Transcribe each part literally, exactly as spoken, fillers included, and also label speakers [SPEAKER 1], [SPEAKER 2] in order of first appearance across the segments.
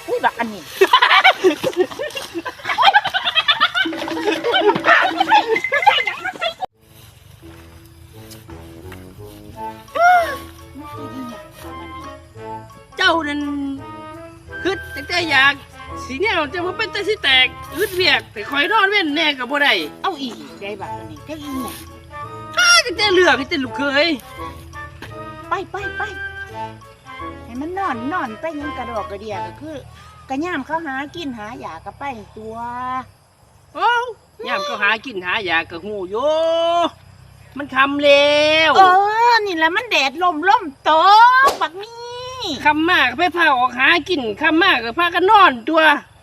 [SPEAKER 1] อุ้ยบักอันนี้
[SPEAKER 2] เจ้านั่นคือแต่ใจอยากสีเนี่ยเราจะมาเป็นแต่สิแตกอึดเวียกแต่คอยนอนเว้นแน่กับบ่ได้
[SPEAKER 1] เอาอีกได้บักอันนี้ได้อีก
[SPEAKER 2] ถ้าจะเลือกให้แต่ลูกเคย
[SPEAKER 1] ไปไปไปให้มันนอนนอนไปยังกระดอกกระเดียก็คือกระย่ามเขาหากินหาอยากกระไปตัว
[SPEAKER 2] โอ้ยามก็หากินหายากกับหูโยมันคำแล้ว
[SPEAKER 1] เออนี่แหละมันแดดลมลมตกบักนี่
[SPEAKER 2] คำมากไปพาออกหากินคำมากก็พากันนอนตัว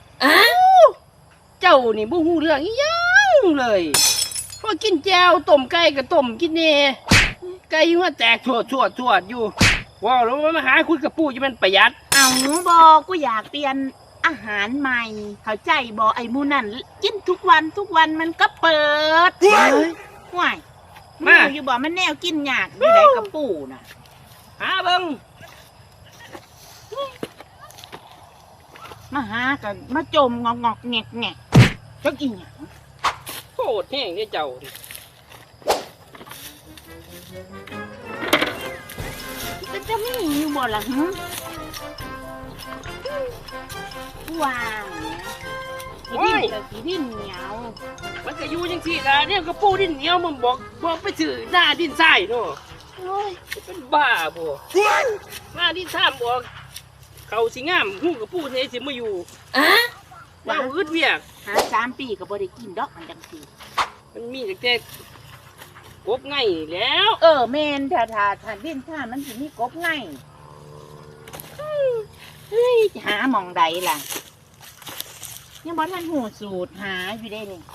[SPEAKER 2] เจ้านี่บ่ฮู้เรื่องอีหยังเลยพอกินแจวต้มไก่กับต้มกินเน่ไก่หัวแตกถั่วถั่วถั่วอยู่ว้าวแล้วมาหาคุยกับปู่จะมันประหยัด
[SPEAKER 1] เอาบอกกูอยากเปลี่ยนอาหารใหม่เข้าใจบอกไอ้มูนั่นกินทุกวันทุกวันมันก็เปิดห่วยมาอยู่บอกมันแนวกินยากอยู่ไหนกับปู่น่ะ
[SPEAKER 2] หาเบิ่ง
[SPEAKER 1] มาหากันมาจมงอกงอกแงกแงกจะกินหยัง
[SPEAKER 2] โคตรแห้งเนี่ยเจ้าดิ
[SPEAKER 1] จะจะไม่มีอยู่บ่ล่ะหึวางเนี่ยสีดินกับสีดินเหนียว
[SPEAKER 2] มันก็อยู่จังซี่ล่ะเนี่ยก็ปู่ดินเหนียวมันบอกบอกไปซื้อหน้าดินทรายเนาะ
[SPEAKER 1] โอ้ย
[SPEAKER 2] เป็นบ้าบ่หน้าดินทรายบอกเขาสิงามฮู้กับปู่เนี่ยสิมาอยู่ว่าอึดเวียก
[SPEAKER 1] หาสามปีก็บ่ได้กินดอกมันจังสี
[SPEAKER 2] มันมีแต่กบไงแล้ว
[SPEAKER 1] เออแมนถ้าถ้าถ้าดินท่ามันสิมีกบไงเฮ้ยหาหมองใดล่ะยังบ่ทันหูสูตรหาอยู่ได้นี่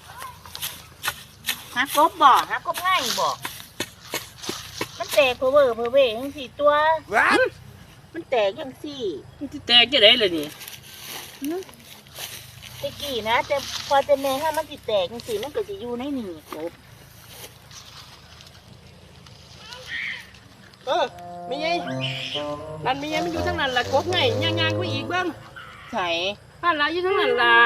[SPEAKER 1] หากบบ่หากบไงบ่มันแตกเพอเวอร์เพอเวจังสี่ตัวมันแตกจังสี่
[SPEAKER 2] มันสิแตกจะได้ล่ะนี่
[SPEAKER 1] ตะกี้นะแต่พอจะแม่ถ้ามันสิแตกจังสี่มันก็สิอยู่ในนี่กบ
[SPEAKER 2] เออมีไงนั่นมีไงมันอยู่ทั้งนั้นล่ะกบไงย่างๆไปอีกเบิ่ง
[SPEAKER 1] ใส่
[SPEAKER 2] บ้านหลายอยู่ทั้งนั้นล่ะ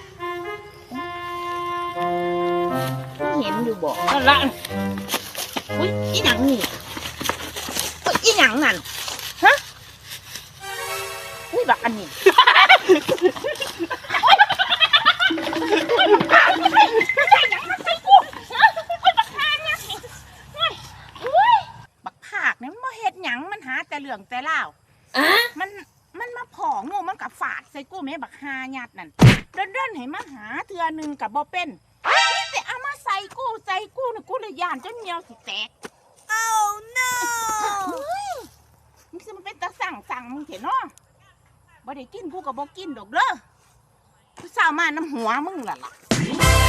[SPEAKER 1] เห็นอยู่บ่
[SPEAKER 2] นั่นล่ะ
[SPEAKER 1] อุ้ยอีหยังนี่อุ้ยอีหยังนั่นฮะอุ้ยบักอันนี้บักภาคเนี่ยมันบ่เฮ็ดหยังมันหาแต่เรื่องแต่เล่าวมันมันมาผองูมันกับฝาดใส่กูแม่บักฮาญาตินั่นเดินๆให้มาหาเทื่อนึงกับบ่เป็นนี่แต่เอามาใส่กูใส่กูนี่กูเลยย่านจนเหนียวสิแตก oh no มึงสิมันเป็นตาสั่งสั่งมึงเถอะเนาะบ่ได้กินกูกับบ่กินดอกเด้อกูสาวมาน้ำหัวมึงล่ะล่ะ